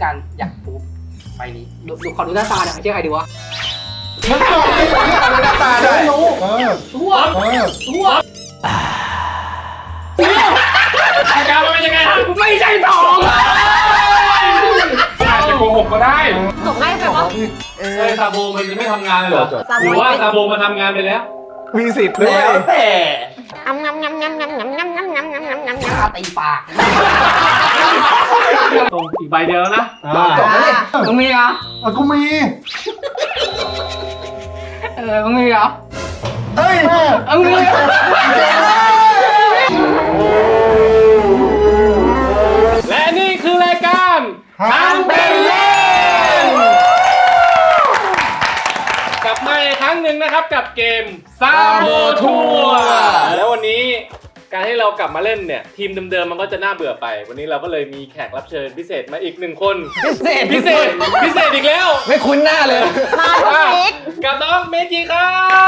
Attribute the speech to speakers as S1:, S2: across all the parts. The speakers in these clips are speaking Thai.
S1: การอยากปูใบนี้ดูขอดูหน้าตาหน่อยเชื่อใครดีวะ
S2: มันตอบไม่ได้หน้าตาได้รู้
S1: ทั่ว
S3: อาการมันเป็นยังไงฮะ
S1: ไม่ใช่ทอง
S3: อาจจะโกหกก็ได้
S4: จบง่ายไปวะ
S3: ซาโบมันจะไม่ทำงานเลยเหรอหรือว่าซาโบมันทำงานไปแล้ว
S2: มีสิทธิ์ด้วย
S1: แล้วแต่
S4: งำ
S1: ตีปาก
S3: ตรงอีกใบเดียวแล้วนะ
S1: จบแล้วเนี่ยมึงมีเหรอ
S2: กูมี
S1: มึงมีเหรอ
S2: เฮ้ยแม่
S1: มึงมีเหรอ
S3: และนี่คือรายการ
S2: ทางเป็นเล่น
S3: กลับมาอีกครั้งหนึ่งนะครับกับเกมซาโบทัวแล้ววันนี้การที่เรากลับมาเล่นเนี่ยทีมเดิมๆมันก็จะน่าเบื่อไป วันนี้เราก็เลยมีแขกรับเชิญพิเศษมาอีกหนึ่งคนพิเศษอีกแล้ว
S1: ไม่คุ้นหน้าเลย
S4: มาทุกวีค
S3: กับน้องเมจิครับ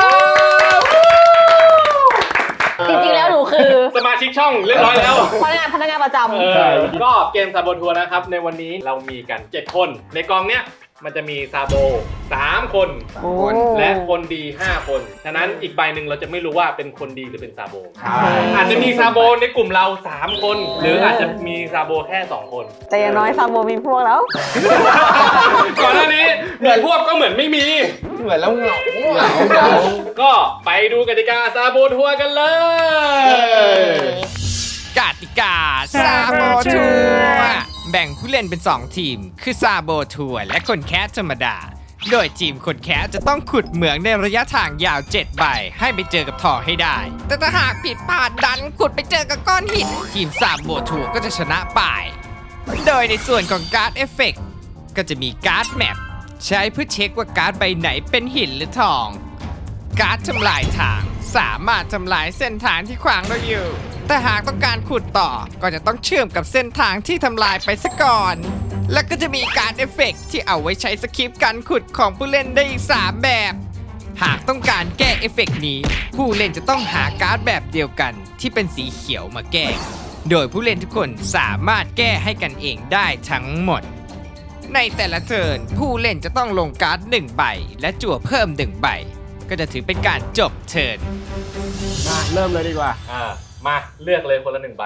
S4: จริงๆแล้วหนูคือ
S3: สมาชิกช่องเรียบร้อยแล้ว
S4: พนักงานประจำ
S3: ก็เกมซาโบทัวร์นะครับในวันนี้เรามีกัน7คนในกองเนี้ยมันจะมีซาโบ3 คนและคนดี5 คนฉะนั้นอีกใบหนึ่งเราจะไม่รู้ว่าเป็นคนดีหรือเป็นซาโบอาจจะมีซาโบในกลุ่มเรา3 คนหรืออาจจะมีซาโบแค่2 คน
S4: แต่อย่างน้อยซาโบมีพวกแล้ว
S3: ก่อนหน้านี้เหมือนพวกก็เหมือนไม่มี
S1: เหมือนแล้วเหงา
S3: ก็ไปดูกติกาซาโบทัวร์กันเลย
S5: กติกาซาโบทัวร์แบ่งผู้เล่นเป็น 2 ทีม คือซาโบทัวร์และคนแคสธรรมดา โดยทีมคนแคสจะต้องขุดเหมืองในระยะทางยาว 7 ใบ ให้ไปเจอกับทองให้ได้ แต่ถ้าหากผิดพลาดดันขุดไปเจอกับก้อนหิน ทีมซาโบทัวร์ก็จะชนะไป โดยในส่วนของการ์ดเอฟเฟกต์ก็จะมีการ์ดแมปใช้เพื่อเช็คว่าการ์ดใบไหนเป็นหินหรือทอง การ์ดทำลายทางสามารถทำลายเส้นทางที่ขวางเราอยู่ แต่หากต้องการขุดต่อก็จะต้องเชื่อมกับเส้นทางที่ทำลายไปซะก่อน และก็จะมีการ์ดเอฟเฟกต์ที่เอาไว้ใช้สคริปต์การขุดของผู้เล่นได้อีก 3 แบบ หากต้องการแก้เอฟเฟกต์นี้ ผู้เล่นจะต้องหาการ์ดแบบเดียวกันที่เป็นสีเขียวมาแก้ โดยผู้เล่นทุกคนสามารถแก้ให้กันเองได้ทั้งหมด ในแต่ละเทิร์นผู้เล่นจะต้องลงการ์ด1 ใบ และจั่วเพิ่ม1 ใบ ก็จะถือเป็นการจบเทิร์น
S2: มาเริ่มเลยดีกว่า
S3: มาเลือกเลยคนละ1 ใบ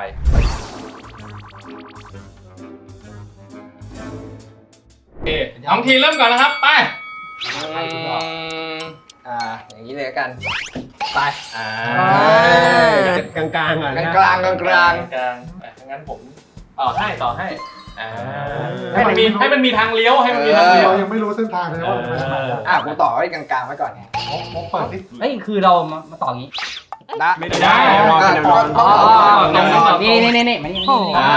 S3: โอเคน้องทีเริ่มก่อนนะครับไป
S1: อย่างนี้เลยกันไป
S2: กลางๆอ่ะ
S1: กลาง
S3: งั้นผมต่อให้ให้มันมีทางเลี้ยวให้มันมีทางเลี้ยว
S2: เรายังไม่รู้เส้นทางเลยว่ามันไปทางไหน
S1: กูต่อไว้กลางๆไว้ก่อนไง
S2: มกเปิดดิ
S1: เฮ้ยคือเรามาต่องี้
S3: ไม่ได้รอเป็นรอ
S1: นี่มันยัง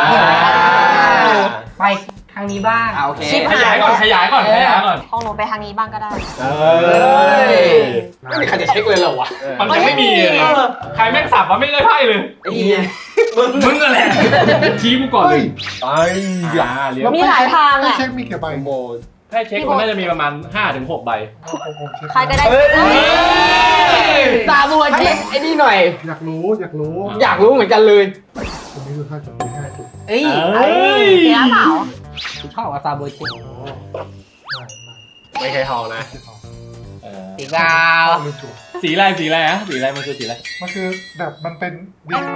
S1: ไปทางนี้บ้างโอเค
S3: ขยายก่อน
S4: ของหนูไปทางนี้บ้างก็ได้
S1: ไม่มีใครจะเช็คเลยเหรอวะ
S3: มันจะไม่มีเลยใครแม่งสับวะไม่ได้ไพ่เลย มึงนั่นแหละชี้กูก่อนเลยไปเลี้ยว
S4: มีหลายทาง
S2: ให้
S4: อ่ะ
S2: เช็คมีกี่ใบโบ
S3: ให้เช็คมันน่าจะมีประมาณ 5-6 ใบ
S4: ใครก็ได้
S1: ตาบัวเช็คไอ้นี่หน่อย
S2: อยากรู้
S1: อยากรู้เหมือนกันเลย
S2: ตรงนี้คือ5 จุดมี5 จุด
S1: เอ้ย
S4: เสียเปล่า
S1: ชอบกับตาบัวเช็ค
S3: ไม่เคยทองนะ
S1: สีกาว
S2: ลืมจุด
S3: สีอะไรมันคือสีอะไร
S2: มันคือแบบมันเป็นดิน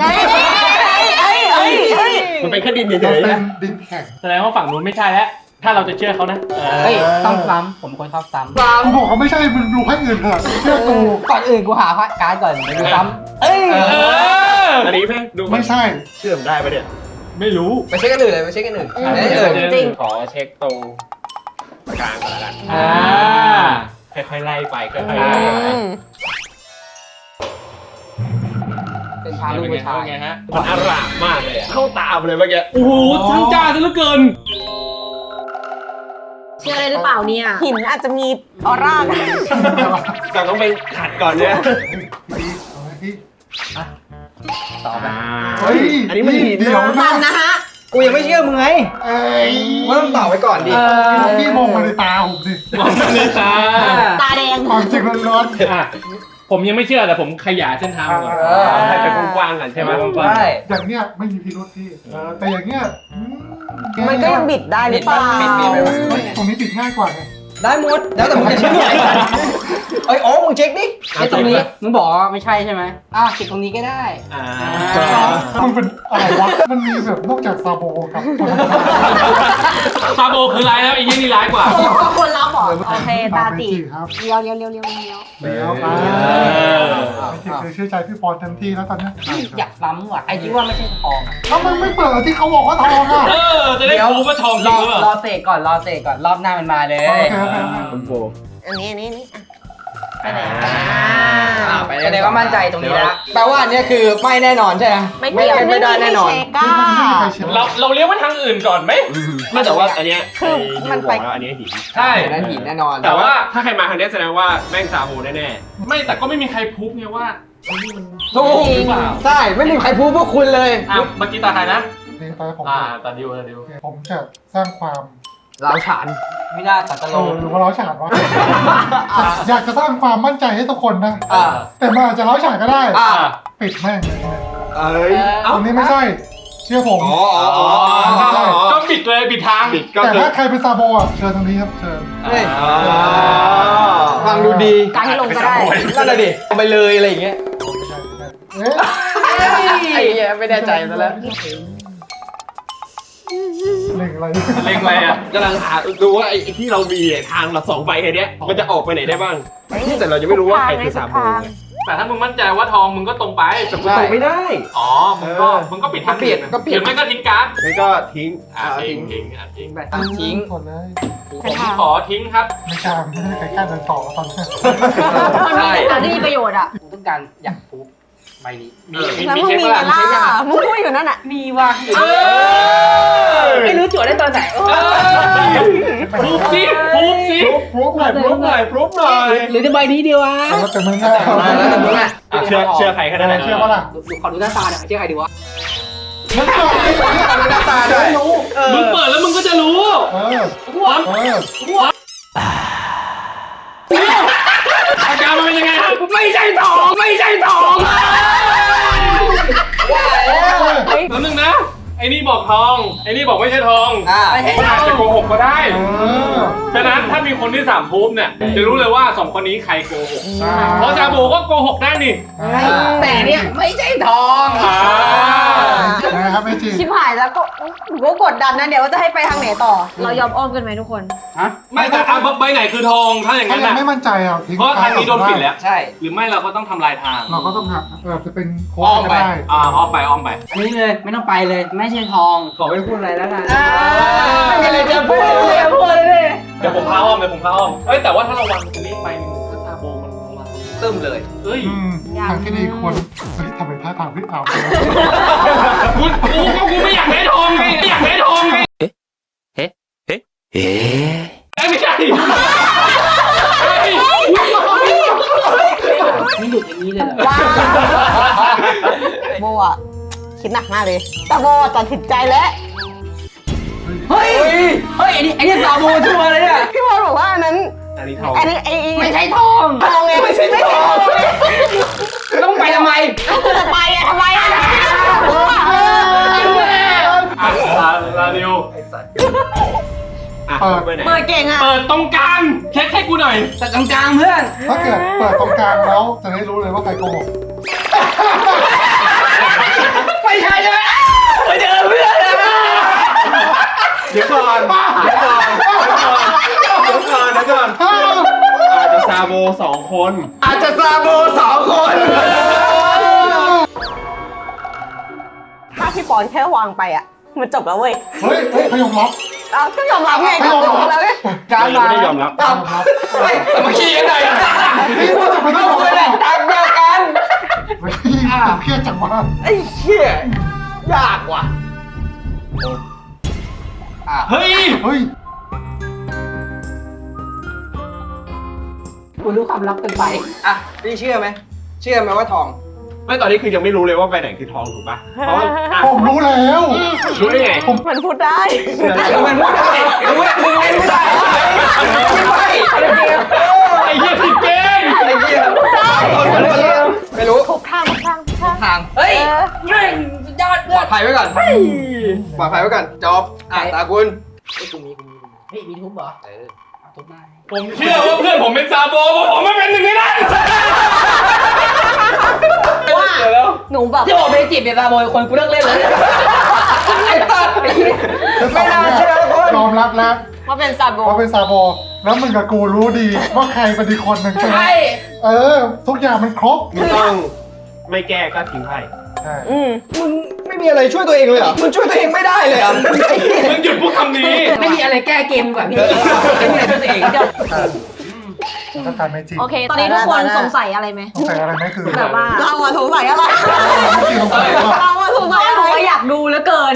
S3: มันเป็นแค่ดิน
S2: มัน
S3: เฉย
S2: เป็นดินแข็ง
S3: แสดงว่าฝั่งนู้นไม่ใช่แล้วถ้าเราจะเชื่อเขานะ
S1: เฮ้ยต้องซ้ำผมคนชอบซ้ำ
S2: กูบอกเขาไม่ใช่มึงดูให้อื่นเถอะเชื่อกู
S1: ก่อนอื่นกูหาการ์ดก่อนดูซ้ำ
S3: อันนี้เพ่งดู
S2: ไม่ใช่
S3: เชื่อมได้ปะเนี่ยไม่รู้
S1: ไปเช็คกันอื่นเลยไปเช็คกันอื่น
S4: จริง
S3: ขอเช็คตรงกลางก่อนละกันค่อยๆไล่ไปค่อยๆไล่
S1: เป็นพาลูกผู้ชาย
S3: ไงฮะมันอร่ามมากเลยเข้าตามเลยเมื่อกี้โอ้โหช่างจ้าซะเหลือเกิน
S4: เชื่อได้หรือเปล่าเนี่ยหินอาจจะมีออร่า
S3: แต่ต้องไปขัดก่อนเนี่ย
S2: พี่
S1: ต่อไป
S2: เฮ้ยอันนี้มันหินเดี๋ยว
S4: มันนะฮะ
S1: กูยังไม่เชื่อมึงไง
S2: เอ้ย
S1: ว่าต้องต่อไว้ก่อนดิ
S2: พี่มองมาในตาผมดิ
S3: มองเลยค่ะ
S4: ตาแดง
S2: ความจริงร้อน
S3: ผมยังไม่เชื่อแต่ผมขยายเส้นทางก่อนให้เป็นกว้างๆกันใช่ไหมกว้าง
S2: ใช่
S6: อย่างเนี้ยไม่มีพิรุธพี่แต่อย่างเงี้ย
S4: มันก็ยังบิดได้หรือเปล่า
S2: บิดไปวะ
S6: ตรงนี้บิดง่ายกว่าไง
S2: ได้หมดแล้วแต่มึงจะเชื่อไอ้โอ้มึงเช็คดิ
S1: ไอ้ตรงนี้มึงบอกว่าไม่ใช่ใช่ไหมติดตรงนี้ก็ได้
S6: มันเป็นอะไรวะมันมีแบบนอกจากซาโบกับคน
S3: ซาโบคือร้ายแล้วไอ้ยี่นี่ร้ายกว่า
S4: คนรับบอกโอเคตาจี
S6: ครับ
S4: เลี้ยว
S6: เดี๋ยวคือเชื่อใจพี่ปอนเต็มที่แล้วตอนนี้
S1: อยากล้ำว่ะไอ้ที่ว่าไม่ใช่ทองอ่ะ
S6: ถ้ามึงไม่เปิดที่เขาบอกว่าทองอ่ะ
S3: จะได้รู้ว่าทองจริงหรือเปล่าร
S1: อเสกก่อนรอบหน้ามันมาเลย
S6: โอเค
S4: อันนี้ไปไหน
S2: ไป
S1: แสดงว่ามั่นใจตรงนี้แล้ว
S2: แปลว่าอันนี้คือไม่แน่นอนใช่ไหม
S4: ไม่เกี่ยว
S2: ไม่ได้แน่นอน
S4: เช็คก้า
S3: เราเลี้ยวไปทางอื่นก่อนไหม
S7: ไม่แต่ว่าอันเนี้ย
S4: คือมันไป
S7: แล้วอันนี้หิน
S3: ใช่
S2: อันนั้นหินแน่นอน
S3: แต่ว่า
S7: ถ้าใครมาทางเนี้ยแสดงว่าแม่งซาโบแน่
S3: ไม่แต่ก็ไม่มีใครพูดไงว่าไอ้นี่มัน
S2: ถูก
S3: หรือเปล่า
S2: ใช่ไม่มีใครพูดพวกคุณเลย
S3: เมื่อกี้ตาใครนะ
S6: นี่ไปผม
S3: ตาดิว
S6: ผมจะสร้างความ
S2: เราฉาน
S1: ไม่น่าตัดตลก
S6: หรือว่าเล้าฉานวะอยากจะสร้างความมั่นใจให้ทุกคนนะ
S2: อ่า
S6: แต่มันอาจจะเล้าฉานก็ได้
S2: อ่า
S6: ปิดแม่งเลย
S2: เอ้ย
S6: ตรงนี้ไม่ใช่ เชื่อผม
S3: ก็บิดเลยบิดทาง
S7: ๆบิดก็
S6: แต่
S7: คือ
S6: ถ้าใครเป็นซาโบอ่ะเชิญตรงนี้ครับเชิญ
S2: เฮ้ยฟังดูดี
S4: การให้ลงก็ได้
S2: นั่นแหละดิเอาไปเลยอะไรอย่างเงี้ย
S6: เอ๊ะ
S2: ไอ้เหี้ยไม่แน่ใจซะแล้ว
S6: เล่งอะไร
S3: เล็งอะไรอ่ะ
S7: กำลังหาดูว่าไอ้ที่เรามีทางละ2 ใบแค่เนี้ยมันจะออกไปไหนได้บ้างแต่เรายังไม่รู้ว่าใครคือซาโบไง
S3: แต่ถ้ามึงมั่นใจว่าทองมึงก็ตรงไป
S7: แต่กูตกไม่ได้
S3: อ๋อมึงก็ปิดทางหรือไม่ก็ทิ้งการ์ด
S7: งั้นก็ทิ้ง
S3: ทิ้ง
S2: ไปทิ้ง
S6: หมดเลย
S3: ผมขอทิ้งครับ
S6: ไม่กล้าไม่ได้ใครกล้าเดินต่อตอนนี้
S4: มันมีประโยชน์อ่ะ
S1: กูต้องการอยากพูดใบนี้
S4: แล้วมึงมีกันล่ะมึงพูดอยู่นั่นอ่ะ
S1: มีว่ะไม่รู้จั่วได้ตอนไหน
S3: พูบสิ
S6: พรุบหน่อย
S7: พรุบหน่อย
S1: หรือจะใบนี้เดียววะ
S6: แล้วแต่มึงแน่
S2: แล้วแต่มึงอ่ะ
S7: เชื่อใครแค่นั้นแหละ
S6: เชื่อปะล่ะ
S1: ดูขอดูหน้าตาหน่อยเชื่อใครดีวะ
S6: มึงเปิดที่หน้าตาได้รู้
S3: มึงเปิดแล้วมึงก็จะรู้ อาการมันเป็นยังไงครับไม่ใช่ทองแล้วนึงนะไอ้นี่บอกทองไอ้นี่บอกไม่ใช่ทองมันอาจจะโกหกก็ได้ฉะนั้นถ้ามีคนที่3พูบเนี่ยจะรู้เลยว่า2คนนี้ใครโกหกเพราะซาโบก็โกหกได้นี่
S1: แต่เนี่ยไม่ใช่ทอง
S6: นะครับไม่จริง
S4: ชิบหายแล้วก็หนูก็กดดันนะเดี๋ยวว่าจะให้ไปทางไหนต่อ เรายอมอ้อมกันไหมทุกคน
S3: ไม่แต่ใบไหนคือทองถ้าอย่าง
S6: ถ้า
S3: นั้น
S6: ยัง
S3: นะ
S6: ไม่มั่นใจอ่ะทิ้ง
S3: เพราะทางนี้โดนปิดแล้ว
S1: ใช่
S3: หรือไม่เราก็ต้องทำลายทาง
S6: เราก็ต้องหักจะเป็นโค้ด
S3: อ้อม
S6: ก็
S3: ไป
S6: ได้
S3: อ้อมไป
S1: อันนี้เลยไม่ต้องไปเลยไม่ใช่ทอง
S2: ขอไม่พูดอะไรแล้วกัน
S4: ไม่เลยจะพูดเลย
S3: เดี๋ยวผมพาอ้อมเอ้ยแต่ว่าถ้าเราวางตรงนี้ไปถ้าซาโบมันมา
S2: ตึ้มเลย
S3: เอ้ย
S6: ทางที่ดีควรทำเป็นท่าทางพี่เอา
S3: กูไม่อยากได้ทองไงไม่อยากได้ทองไงไม่ใช่
S1: ไม่หลุดอย่างนี้เลยเหรอ
S4: ว้าโบอ่ะคิดหนักมากเลยแต่โบตัดสินใจแล้ว
S1: เฮ้ยไอ้นี่ซาโบชัวร์เลยเนี่ย
S4: พี่บอลบอกว่าอันนั้น
S7: อันนี้ทอง
S4: อันนี้
S1: ไม่ใช่ทอง
S4: ทองไงไม่ใช่ทอง
S1: ต้องไปทำไม
S4: จะไปอะทำไมอะ
S3: ลาดิว
S7: ไปไหน
S4: เปิดเก่งอะ
S3: เปิดตรงกลางเช็คให้กูหน่อย
S1: แต่ตรงกลางเพื่อน
S6: ถ้าเกิดเปิดตรงกลางแล้วจะได้รู้เลยว่าใครโกหก
S1: ไม่ใช่ใช่ไหมไปเจอเพื่อน
S7: เดี๋ยวก่อนอาจจะซาโบ2 คน
S2: อาจจะซาโบ2 คน
S4: ถ้าพี่ปอนแค่วางไปอะมันจบแล้วเว้ย
S6: เฮ้ยเขายอมรับ
S4: ก็ยอมรับไงก็จบแล้วไง
S2: การ
S7: เรา
S2: มา
S7: ไม่ได้ยอมรับ
S2: สมัคคีกันหน่อย
S6: นี่ว่าจะไม่ต้องบอกเลย
S2: ทางเดียวกัน
S6: เครียดจังวะ
S2: ไอ้เหี้ยยากว่ะ
S3: เฮ้ย
S1: กูรู้ความลับกันไป
S2: อ่ะพี่เชื่อไหมว่าทอง
S7: ไม่ตอนนี้คือยังไม่รู้เลยว่าใบไหนคือทองถูกป่ะเพราะ
S6: ผมรู้แล้ว
S7: รู้ได้ไง
S4: มันพูดได้
S2: มันพูดได้มึงเล่นไม่ได้ไม่
S3: ไอ้เหี้ยผิดเกม
S2: ไอ้เหี้ยคนไม่รู้
S4: ทุกทางทุกทางทุกทาง
S2: ทาง
S1: เฮ้ย
S4: เออ
S1: แม่งสุดยอด
S2: ปลอดภัยไว้ก่อนปลอดภัยไว้ก่อนจอบตาคุณ
S1: เฮ้ยกูมีเฮ้ยมีทุบเหรอเอาทุบได้
S3: ผมเชื่อว่าเพื่อนผมเป็นซาโบเพราะผมไม่เป็นหนึ่งในนั้น
S4: ว่า
S3: เดี๋ยวแล้ว
S4: หนูแบบ
S1: ที่บอกเบจิเป็นซาโบยคนกูเลิกเล่นเลย
S2: ไอ้ตัด
S6: ไม่น่าเชื่อยอมรับแล้ว
S4: ว่าเป็นซาโบ
S6: ว่าเป็นซาโบแล้วมึงกับกูรู้ดีว่าใครเป็นอีกคนหนึ่งใช่ไหม
S1: ใช่
S6: ทุกอย่างมันครบ
S7: มึงต้องไม่แก้ก็ทิ้งไพ่
S6: ใช่
S2: มึงไม่มีอะไรช่วยตัวเองเลยเหรอมึงช่วยตัวเองไม่ได้เลยเหรอ
S3: มึงหยุดพูดคำนี้
S1: ไม่มีอะไรแก้เกมกว่าพี่ไม่มีอะไรช่วยตัวเอง
S6: ถ้าทายไม่จริง
S8: โอเค ตอนนี้ทุกคนสงสัยอะไรไหม
S6: สงสัยอะไรไหมคือ
S8: แบบว่า
S4: เราอะสงสัยอะไร
S6: ไม่สงสัยว่า
S4: เราอะสงสัย
S8: ห
S4: อะ
S8: นู
S4: ไร
S8: ก็อยากดูเหลือเกิน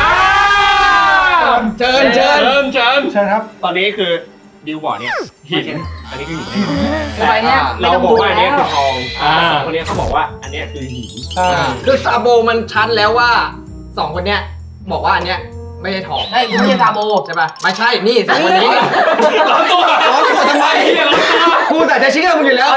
S2: เชิญ
S6: เชิญครับ
S7: ตอนนี้คือดิวบอร์ดเนี่ยหินอันนี้คือหิน
S1: ไปเนี่ยไม่
S7: เรา
S1: ต้อง
S7: บอก
S1: ดู
S7: ว่าอัน
S1: แล้
S7: นี้
S1: ว
S7: คือทองสองคนนี้เขาบอกว่าอันนี้คือหิน
S6: ใช่
S2: คือซาโบมันชัดแล้วว่า2คนเนี้ยบอกว่าอันเนี้ยไม่ใช่ทอง
S1: ใช่กูไม่ใช่ซาโบ
S2: ใช่ป่ะไม่ใช่นี่สองคนนี้
S3: ร้อนตัว
S2: ร้อนตัวทำไม
S3: ร้อนตัว
S2: กูแต่จะเชื่อมึงอยู่แล้ว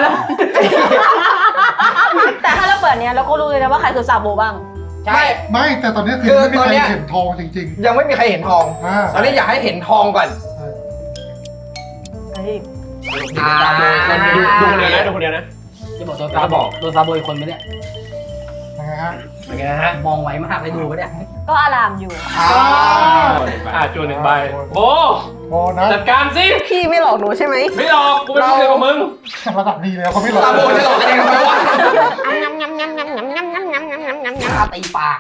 S8: แต่ถ้าเราเปิดเนี้ยเราก็รู้เลยนะว่าใครคือซาโบบ้าง
S1: ใช่
S6: ไม่แต่ตอนนี้คือ
S2: คือ
S6: ไม่มี
S2: ตอน
S6: ใคร
S2: เนี้ย
S6: เห็นทองจริง
S2: ยังไม่มีใครเห็นทอง
S6: ๆอ่า
S2: ตอนนี้อยากให้เห็นทองก่อน
S8: เฮ้ย
S1: ซาโบคนเดียว
S7: ดูคนเดียวนะดูคนเดียวนะ
S1: จะบอกโดนซาโบโดนซาโบอีกคนไหมเนี่ย
S6: ยังไงฮะ
S3: เป็นไงฮะ
S1: มองไวมากเลยดูปะเนี่ย
S8: ก็อารามอยู่
S3: จวนหนึ่งใบโบ
S6: โบนัส
S3: จัดการสิ
S4: พี่ไม่หลอกหนูใช่ไหม
S3: ไม่หรอกกูเป็นเพื่อนกับมึง
S6: ระดับดีแล้วเขาไม่หลอก
S2: ซาโบจะหลอกกันยังไงวะ
S1: ตาตีปาก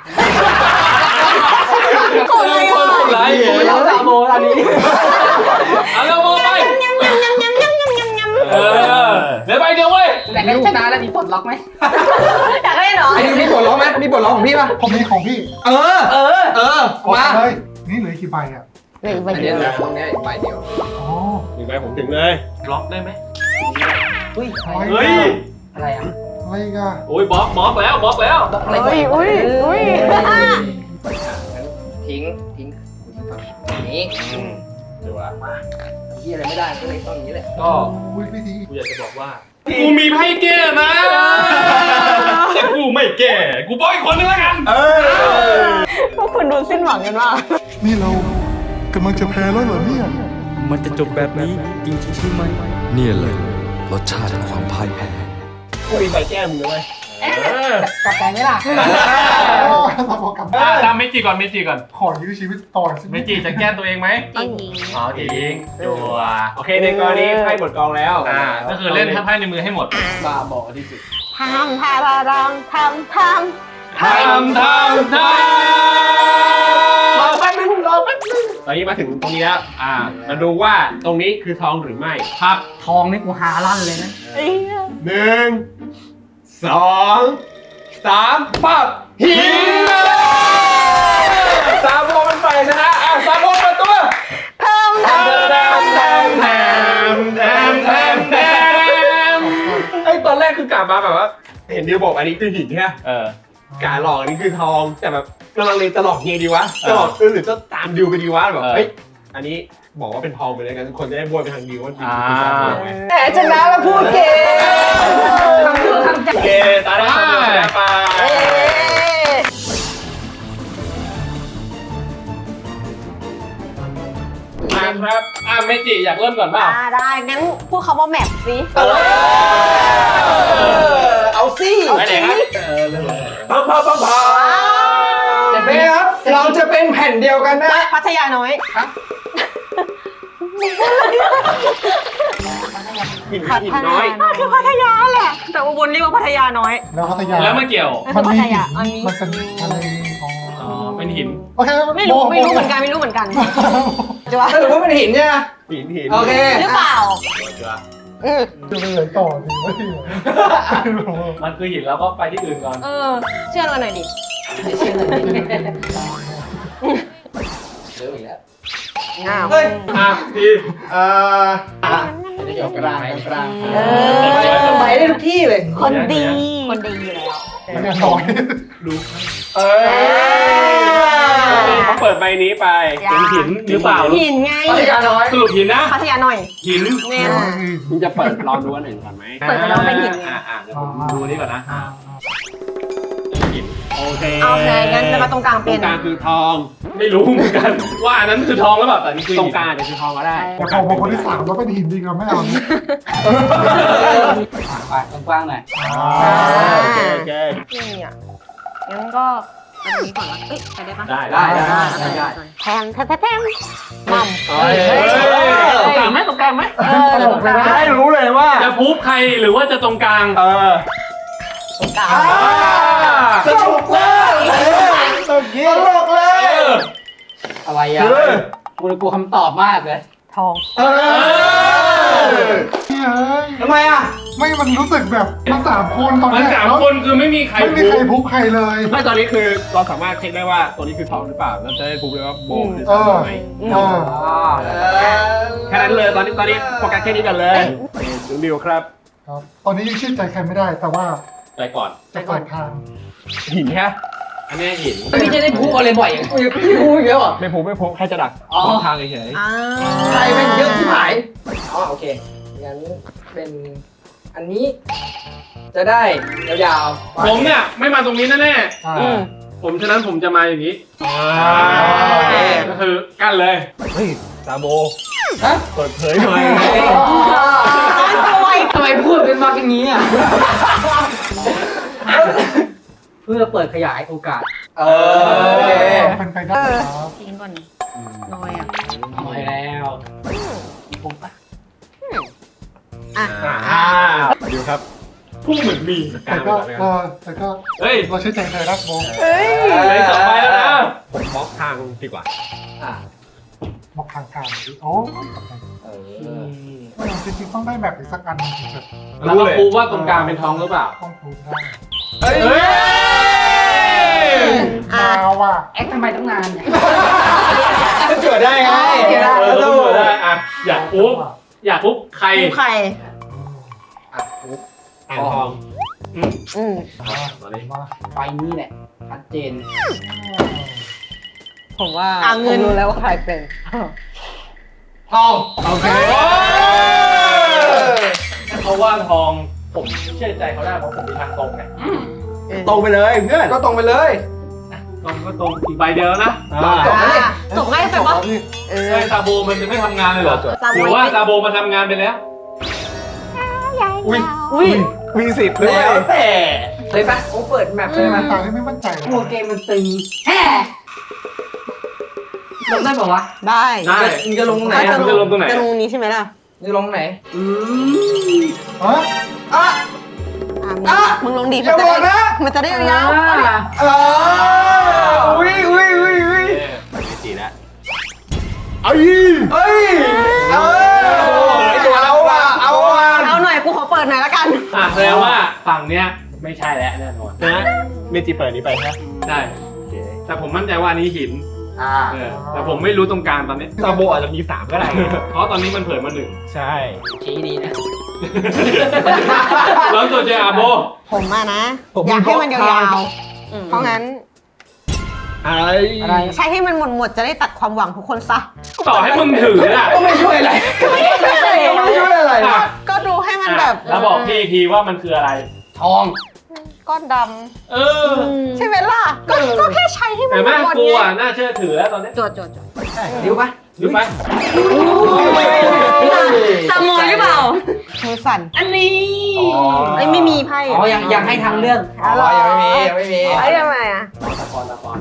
S3: คนไร
S1: ไม่ต้องซาโบตอนนี้
S3: เอาแล้วโบไปเออเดี๋ยวไปเดียวเว้ย
S1: แต่ก็ชนะแล้วมีปลดล็อกไหม
S8: อยากได้เหรอ
S2: ไอ้นี่มีบทร้องไหมมีบทร้องของพี่ป่ะ
S6: ผมมีของพี่
S2: เออ
S6: กด
S2: มา
S6: เลยนี่เหลือกี่ใบอ่ะ
S4: หนึ่งใบ
S2: อัน
S4: เดี
S2: นี้
S4: ยว
S2: นะตรงนี้ใบเดียว
S6: อ๋อ
S7: ถึงไปผมถึงเลย
S3: บล็อกได้ไหม
S1: เฮ้ย
S3: เฮ้ย
S1: อะไรอ่ะ
S6: อะไรอีกัน
S3: โอ้ยบล็อกแล้วบล็อกแล้ว
S1: อะไร
S4: อุ้ย
S2: ทิ้งนี้
S3: เดี๋ยวว่า
S1: ยี่อะไรไม่ได้ก็เลยต้องอย่างนี้แหละ
S3: ก็
S6: อุ้ยไม่ดี
S3: กูอยากจะบอกว่า กูมีไพ่แก้นะแต่กูไม่แก้กูบอกอีกคนนึงแล้วกัน
S4: พวกคุณดูสิ้นหวังกันมาก
S6: นี่เรากำลังจะแพ้แล้วเหรอเนี่ย
S9: มันจะจบแบบนี้จริงๆใช่ไหมเนี่ยเลยรสชาติแห่งความพ่ายแพ้
S7: กูมีใบแก้มเลย
S1: กลับใจไหมล่ะ
S6: เราบอกกลับ
S3: ตามเมจิก่อนเมจิก่อน
S6: ขอยื้อชีวิตต่อสิ
S3: เมจิจะแก้ตัวเองไหม
S8: จริง
S3: อ๋อจริงจัว
S7: โอเคในกรณีไพ่หมดกองแล้ว
S3: ก็คือเล่นไพ่ในมือให้หมด
S1: บ้าบอที่สุด
S4: ทำทำทำทำทำ
S3: ทำ
S2: รอแป๊บนึง
S7: ตอนนี้มาถึงตรงนี้แล้วมาดูว่าตรงนี้คือทองหรือไม่
S3: ครับ
S1: ทองนี่กูหาลั่นเลยนะ
S7: 1 2 3ปั๊บหินซาโบมันไปชนะซาโบเปิดตัว
S4: ทำทำ
S7: ไอ้ตอนแรกคือกลับมาแบบว่า เห็นดิวบอกอันนี้คือหินใช่ไหม
S3: เออก
S7: าหลอกอันนี้คือทองแต่แบบกำลังเลยจะหลอกยังไงดีวะจะหลอกหรือจะตามดิวไปดีวะแบบเฮ้ยอันนี้บอกว่าเป็นทองไปเลยกันทุกคนจะได้บวยไปทางดิวว่าดิวคือซาโบไง
S2: แต่ชนะแล้วพูดเก่ง
S7: โอเคตาได้ชมแล้วไป
S3: มาครับเมจิอยากเริ่มก่อนเปล่า
S8: ได้งั้นพูดคำว่าแมปสิ
S2: เอาสิ
S3: ไปไหนครับ
S7: พัง
S2: เห็นไหมครับเราจะเป็นแผ่นเดียวกันนะ
S8: พัทยาน้อย
S7: หินน้อย
S8: คือพัทยาแหละ แต่อุบลเรียกว่าพัทยาน้อย
S6: แล้วพัทยา
S3: แล้วมันเกี่ยว
S6: มันมี
S8: พัทยาอันนี้
S6: มันเป็นอะไรอ๋อ
S3: อ๋อเป็นหิน
S6: โอเค
S8: ไม่รู้เหมือนกันไม่รู้เหมือนกันจะว่า
S2: สรุปว่าเป็นหินเนี่ย
S7: หิน
S2: โอเค
S8: หรือเปล่า
S6: จะไปเลยต่อดีไม่ดีไม่รู้
S3: มันคือหินแล้วก็ไปที่อื่นก่อน
S8: เชื่อเราหน่อยดิ
S1: เชื่อเลยเริ่มอีกแล้ว
S4: อ้าว
S2: เฮ้ย
S3: พี่
S1: จะเกี่ยวกลางกลาง
S2: ไปได้ทุกที่เลย
S8: คนดี คนดีอยู่แล้ว
S6: มันยังน้อย
S2: เออ
S7: เขาเปิดใบนี้ไป
S3: เป็นหินหรือเปล่า
S8: หินไง
S2: พัทยาน้อย
S3: สรุปหินนะ
S8: พัทยาหน่อย
S3: หิน
S8: แน่
S7: คุณจะเปิดลองดูอันหนึ่งก่อนไหม
S8: เปิดไปแล้วเป็นหินไง
S3: เดี๋ยวผมดูนี่ก่อนนะหินโอเค
S8: เอาแค่งั้นแล้วมาตรงกลาง
S7: ตร
S8: เป็น
S7: งกลางคือทอง
S3: ไม่รู้เหมือนกันว่าอันนั้นคือทองหรือเปล่าแต่นี่คือ
S7: ตรง
S3: หิน
S7: กลางจะคือทองก็ได้
S6: แต่พอมาคนที่สามแล้วเป็นหินดีกันไม่เอา
S1: ไปกว้างๆหน่อย
S7: โอเคโอเค
S8: นี่อ่ะงั้นก็อันนี้ก่อนละเอ้ยไปได้ปะ
S3: ได้
S2: ได้
S8: แทงมั่ม
S3: ตรงกลางไหมตรงกลางไหม
S6: ตลกเลยนะ
S7: จะได้รู้เลยว่า
S3: จะพูบใครหรือว่าจะตรงกลาง
S8: ตรงกลาง
S2: สนุกเลยตลกเลย
S1: อะไรอ่ะกูกลัวคำตอบมากเลย
S8: ทอง
S2: ทำไมอ่ะ
S6: ไม่มันรู้สึกแบบมันสามคนตอน
S3: มัน
S6: นี้
S3: สามคนคือไม่มีใคร
S6: ไม่มี
S3: พู
S6: ใคร
S3: บ
S6: พุกใครเลย
S7: ไม่ตอนนี้คือเราสามารถเช็คได้ว่าตัวนี้คือทองหรือเปล่าเราจะได้รู้เลยว่าโบหรือ
S6: เอ
S7: ทอง
S6: อ
S7: ไหม
S6: เออ
S7: แค่นั้นเลยตอนนี้โฟกัสแค่นี้กันเลยถึงดิวครับ
S6: ครับตอนนี้ยังเชื่อใจใครไม่ได้แต่ว่า
S3: ไปก่อน
S6: จะเปิดทาง
S7: หินแค่
S3: อันนี้หิน
S2: พี่จะได้พูอะไรบ่อยอย่างพี่พูเยอะอ่ะ
S7: ไม่พูแค่จะดักทางเฉย
S2: ใครเป็นเยอะที่หายอ๋อโอเคงั้นเป็นอันนี้จะได้ยาวๆ
S3: ผมเนี่ยไม่มาตรงนี้แน่
S6: ๆ
S3: ผมฉะนั้นผมจะมาอย่างนี้
S2: โอเค
S3: ก็คือกั้นเลย
S7: เฮ้ยซาโบเปิดเผยหน่อย
S2: ทำไมพูดเป็นมาอย่างนี้อ่ะ
S1: เพื่อเปิดขยายโอกาส
S2: โอเค
S6: เป็นไปได้ครับ
S8: ทิ้งก่อนน้อยอ่ะ
S1: น้อยแล้ว
S7: ดิวครับ
S3: พุ่งเหมือนมี
S6: แต่ก็
S3: เฮ้ย
S6: เราเชื่อใจเธอนะโบ
S3: เลยสองใบแล้วนะ
S7: ผมบล็อกทางดีกว่า
S6: บอกทางโอ้จริงๆต้องได้แบบอีกสักอันถึงจะ
S3: แล้วก็พูว่าตรงกลางเป็นทองหรือเปล่า
S6: ต้องพูดได้
S3: เฮ้ย
S6: มาว่ะ
S1: แอคทำไมตั้งนานเนี่ย
S7: เกิดได้ไง
S3: ต้องเปิดได้อ่ะอยากปุ๊บใคร
S8: ใคร
S7: อ่างทอง
S3: ตอนนี้
S6: มา
S1: ไฟนี้แหละชัดเจน
S4: ผมว่า
S8: เงิน
S4: ผมรู้แล้วว่าใครเป็น
S2: ทอง
S3: โอเคเขาว่าทองผมเชื่อใจเขาได้เพราะผมมีทางตรงไง
S7: ตรงไปเลยเพื่อน
S2: ก็ตรงไปเลย
S3: ตรงก็ตรงอีกใบเดียวนะ
S2: จบแล้วเนี่ย
S8: จบง่ายไปปะ
S4: เออ
S3: ไอ้ซาโบมันจะไม่ทำงานเลยเหรอ
S8: ซาโบ
S3: หรือว่าซาโบมันทำงานไปแล้ว
S4: อุ้ย
S7: มีสิทธิ์ด้วย
S2: แล้วแต่เลยปะโอ้เปิดแมปเลย
S6: มั
S2: มั้
S6: น
S2: ย
S6: ตาที่ไม่มั่นใจ
S1: กลัวเกมมันตึงแฮ่ลงได้ป่าวะ
S4: ได้
S3: ได้
S2: มึงจะลงไหน
S3: มึงจะลงตรงไหน
S4: จะลงนี้ใช่ไหมล่ะ
S2: จะลงไหน
S6: ฮะ
S2: อ่ะ
S4: มึงลงดี
S2: อย่าบอกนะ
S4: มันจะได้ยาว
S2: อุ้ย
S3: ไม่ตีแล้ว
S2: เฮ้ยเอาว่ะ
S8: เอาหน่อยกูขอเปิดหน่อยละกัน
S3: แสดงว่าฝั่งเนี้ยไม่ใช่แล้วแน่นอน
S7: นะเมจิเปิดนี้ไปใช่
S3: ใช่แต่ผมมั่นใจว่าอันนี้หิน
S2: อ่า
S3: แต่ผมไม่รู้ตรงกลางตอนนี้
S7: ซาโบอาจจะมี3ก็ได้
S3: เพราะตอนนี้มันเผยมาหนึ่ง
S7: ใช่
S1: ชี้ดีนะ
S3: แล้วตัวเจอาโบ
S4: ผมอะนะ อยากให้มันยาวๆ เพราะงั้น
S7: อะไร
S4: ใช้ให้มันหมดจะได้ตัดความหวังทุกคนซะ
S3: ต่อให้มึงถืออ่ะ
S2: ก็ไม่ช่วยอะไร
S4: ไม่ช่วย
S2: ก็ไม่ช่วยอะไร
S4: ก็ดูให้มันแบบ
S3: แล้วบอกพี่อีกทีว่ามันคืออะไร
S1: ทอง
S4: ก้อนด
S3: เออ
S4: ำใช่ไหมล่ะ ก็แค่ใช้ให้มัน
S3: เห็นไหม
S4: หมด
S3: กู
S4: ไง
S3: อ่ะน่าเชื่อถือแล้วตอนนี้
S8: จด
S2: ดิวปะ
S3: รู้ไหม
S8: ตามอยหรือเปล่า
S4: มือสั่น
S8: อันนี้ไอ้ไม่มีไพ่
S1: อ๋อยังให้ทางเรื่อง
S2: อ๋อยังไม่มี
S8: ไอ้ยังไงอ่ะ
S1: ตะกอน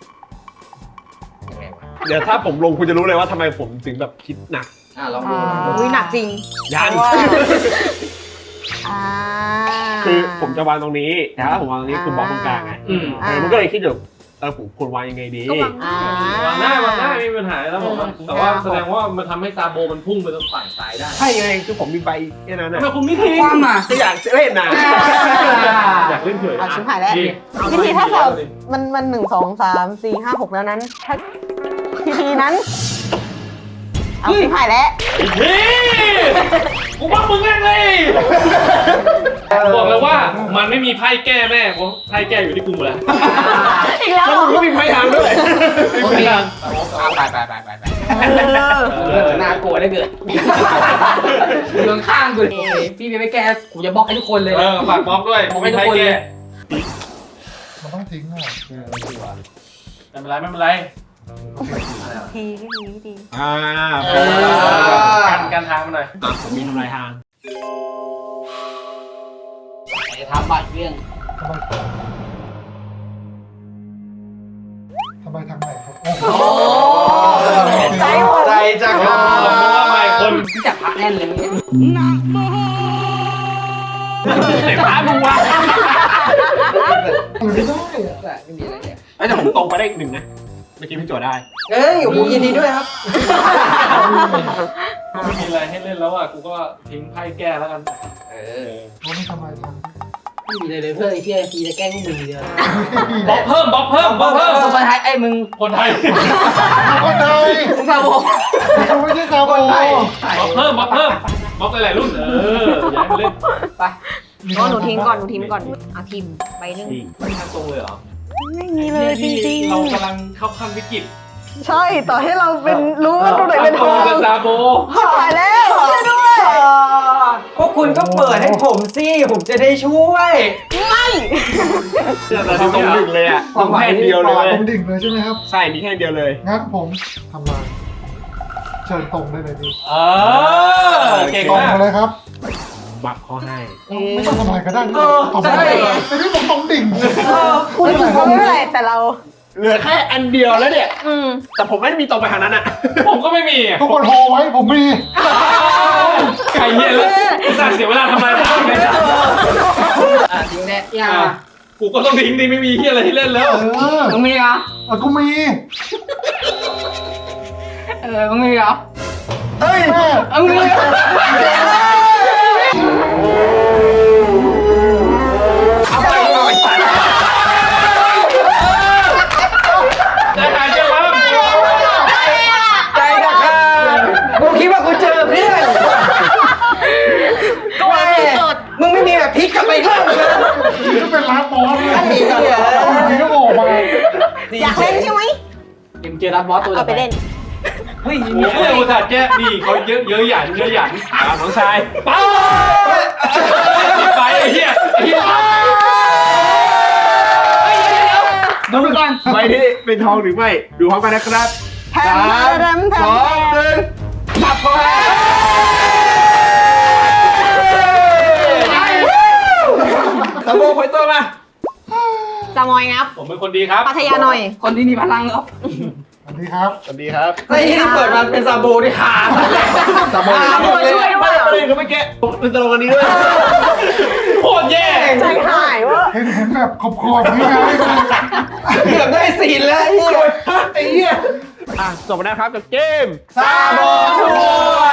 S7: เดี๋ยวถ้าผมลงคุณจะรู้เลยว่าทำไมผมถึงแบบคิดหนัก
S2: ลองดู
S4: อุ้ยหนักจริง
S7: ยัน
S4: อ่า
S7: คือผมจะวางตรงนี้แต่ถ้าผมวางตรงนี้คือบล็อกตรงกลางไง มันก็เลยคิดอยู่ผมควรวางยังไงดี
S3: วางได้ไม่มีปัญหาแล้วผมแต่ว่าแสดงว่ามันทำให้ซาโบมันพุ่งไปตรงฝั่งซ้ายได้
S7: ใช่ไงคือผมมีใบแค่นั้น
S3: ทำ
S7: นะ
S3: ไมคุณไม่ทิ้ง
S1: กว้างอ่ะ
S7: ก็อยากเล่นนะ
S3: อยากเล่นเฉย
S4: เอาชิมหายแล้วพิธีถ้าสอบมัน1 2 3 4 5 6แล้วนั้นถ้าพิธีนั้นเอาสิผ่ายแล้ว
S3: พี่กูว่ามึงแม่งเลยบอกเลยว่ามันไม่มีไพ่แก้แม่เพราะไพ่แก้อยู่ที่กูหมดแล้ว
S4: อีกแล้ว
S7: แล้วมึงก็มีไพ่ทางด้วย
S3: ไม่มีทาง
S1: น่ากลัวได้เกิดเมืองข้างกูเลยพี่ไม่แก้กูจะบล็อกให้ทุกคนเลย
S3: ฝากบล็อกด้วยผมไม่ไพ่แก้
S6: มันต้องทิ้งอ่ะ
S3: ไม่เป็นไร
S4: ทีที
S3: กันทางมาหน่อย
S7: ผมมีทำลายทาง
S1: จะทำบัตรเรื่อง
S6: ทำไมทางไหนครับ
S1: โอ้
S4: ใจหมด
S7: ใจจัง
S3: เพราะว่าไม่คน
S1: ที่จับพระแน่นเลยเนี่ย
S3: เต็มร้านมึงวะ
S6: ไม่ได้อ่ะ
S2: ไม่มีอะไรเนี่ย
S7: แต่ผมตรงไปได้อีกหนึ่งนะเมื่อกี้พี่โจได้
S2: เอ้ยโอ้โหยินดีด้วยครับ
S3: ไม่มีอะไรให้เล่นแล้วอ่ะกูก็ทิ้งไพ่แก้แล้วกัน
S6: ว่าไม่ทำไมทาง
S1: ไม่มีเลยเพื่อนไอ้เชี่ยทีจะแกล้งพวกมึงเดียว
S3: บล็อกเพิ่ม
S1: คนไทยไอ้มึง
S3: คนไทย
S6: คนไทย
S1: มึงซาโบ
S6: เขาไม่ใช่ซาโบ
S3: บล็อกเพิ่มบล็อกหลายๆรุ่นอย่าให้เล่น
S1: ไป
S8: ก็หนูทิ้งก่อนเอาทีมใบหนึ่ง
S3: ไม่ทางตรงเลยเหรอ
S4: ไม่มีเลยจริง
S3: เรากำลังเข้าขั้นวิกฤต
S4: ๆ ใช่ต่อให้เราเป็นรู้ว่าตัวไหนเป็นทอง
S3: กับซาโบ
S4: ผ่ายแล้วช่วยด้วย
S2: พวกคุณก็เปิดให้ผมสิผมจะได้ช่วย
S4: ไม่
S7: เราตรงหนึ่งเลยอ่ะต้องแค่เดียวเลย
S6: ตรงดิ่งเลยใช่ไหมครับ
S7: ใช่มีแค่เดียวเลย
S6: งั้นผมทำลายเชิญตรงได้เลยพี่
S3: เก่ง
S6: ตรง
S3: มาก
S6: มาเลยครับ
S7: บักเขาให้
S6: ไม่ต้องทำลายก็ได้ตรง
S2: ใช่
S6: ได้แต่นี่ผมตรงดิ่ง
S4: คุณถึงไม่เป็นไรแต่เรา
S7: เหลือแค่อันเดียวแล้วเนี่ย แต่ผมไม่ได้มีตรงไปทางนั้นอ่ะ
S3: ผมก็ไม่มี
S6: ทุกคนโฮไว้ผมมี
S3: ไก่เหี้ยเลยสั่งเสียเวลาทำอะไรทำเลย
S1: จริงแน่ยัง
S3: กูก็ต้องทิ้งดิไม่มีเหี้ยอะไรให้เล่นแล้ว
S1: มึงมีเหรอ
S6: กูมี
S1: มึงมีเหรอ
S6: เฮ้ยแม่
S1: มึงมีเหรอ
S2: เอาไปเอาไป
S3: จะหาเจอมั้ง
S2: ใจจะขาดกูคิดว่ากูเจอเพื่อนก็ไม่มึงไม่มีแบบพลิกกลับไปข้างเลย
S6: ก็เป็นร้านบอสเลย
S2: มีก็เหรอ
S6: มีก็บอกมา
S4: อยากเล่นใช่ไหม
S1: เอ็มเจอรับบอสตัว
S4: เอาไปเล่น
S2: เฮ้ย
S3: โอ้ยอุตส่าห์แก้ดีเขาเยอะหยันน้องชายป้าไปไอ้เหี้ย
S1: ดูก่อน
S7: ใบนี้เป็นทองหรือไม่ ดูพร้อมกันนะครับ
S4: แถมแถมแถ
S7: สอง
S4: ม
S7: หนึ่งปับเข้าไป
S2: ตะโบคอยตัวมา
S4: จามอยงับ
S3: ผมเป็นคนดีครับ
S4: ปัทยาหน่อย
S1: คนที่มีพลังครับ
S6: สวัสดีครับ
S7: สวัสดีครับ
S2: ไอ้ที่เปิดมาเป็นซาโบที่ขาดเลย
S7: สามโมง
S4: ช่วยด้วย
S7: ประเด็นคือเมื่อกี้เป็นตลกอันนี้ด้วย
S3: โคตรแย่
S4: ใจหายวะ
S6: เห็นแบบขอบๆนี่ไง
S2: เกือบได้ซีนแล้วไอ้เหี้ย
S7: จบไปแล้วครับกับเกม
S2: ซาโบทัวร์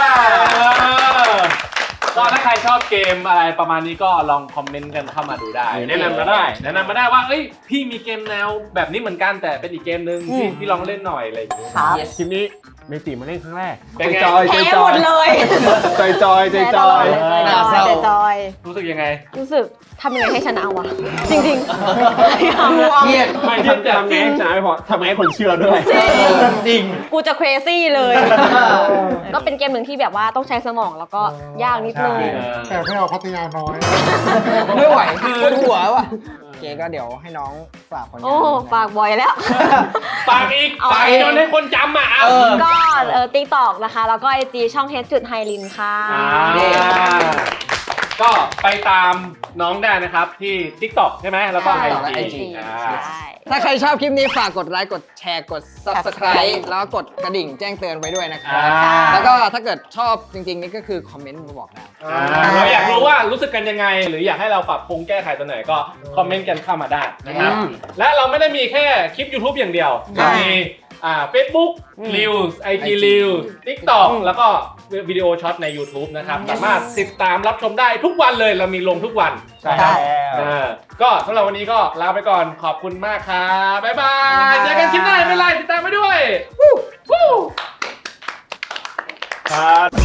S3: ก็ถ้าใครชอบเกมอะไรประมาณนี้ก็ลองคอมเมนต์กันเข้ามาดูได้ แนะนำมาได้ว่าเอ้ยพี่มีเกมแนวแบบนี้เหมือนกันแต่เป็นอีกเกมนึงพี่ลองเล่นหน่อยอะไรอย่างเงี้ย
S4: ครับ
S7: คลิปนี้เมจิมาเล่นครั้งแรก
S3: เป็นไง
S7: จอย
S4: แพ้หมดเลย
S7: จอยจอยจอยจอย
S4: แต่จอย
S3: รู้สึกยังไง
S8: รู้สึกทำยังไงให้ชนะวะ จริง
S2: เครียด
S3: ไม่
S7: ทำไงชนะไม่พอทำไงให้คนเชื่อด้วย
S2: จริง
S8: ๆ กูจะ crazy เลย ก็เป็นเกมหนึ่งที่แบบว่าต้องใช้สมองแล้วก็ยากนิดนึง
S6: แต่ไม่เอาพัทยาน้อย
S2: ไม่ไหวปวดหัวว่ะโอเคก็เดี๋ยวให้น้องฝากผลงาน
S8: โอ้ ฝากบ่อยแล้ว
S3: ปากอีกจนให้คนจำอ่ะ
S8: ก็TikTok นะคะ แล้วก็ IG ช่อง h.Hylin ค่ะ
S3: ก็ไปตามน้องได้นะครับที่ TikTok ใช่ไหมแล้วก็ IG
S8: ใช่
S2: ถ้าใครชอบคลิปนี้ฝากกดไลค์กดแชร์กด Subscribe แล้วก็กดกระดิ่งแจ้งเตือนไว้ด้วยนะครับแล้วก็ถ้าเกิดชอบจริงๆนี่ก็คือคอมเมนต์มาบอกได้
S3: เราอยากรู้ว่ารู้สึกกันยังไง หรืออยากให้เราปรับปรุงแก้ไขตัวไหนก็คอมเมนต์กันเข้ามาได้นะครับ และเราไม่ได้มีแค่คลิป YouTube อย่างเดียวมีFacebook Reels IG Reels TikTok แล้วก็วิดีโอช็อตใน YouTube นะครับสามารถติดตามรับชมได้ทุกวันเลยเรามีลงทุกวัน
S7: ใช่ครับ
S3: ก็สำหรับวันนี้ก็ลาไปก่อนขอบคุณมากครับบ๊ายบายเจอกันคลิปหน้าไม่เป็นไรติดตามไปด้วยครับ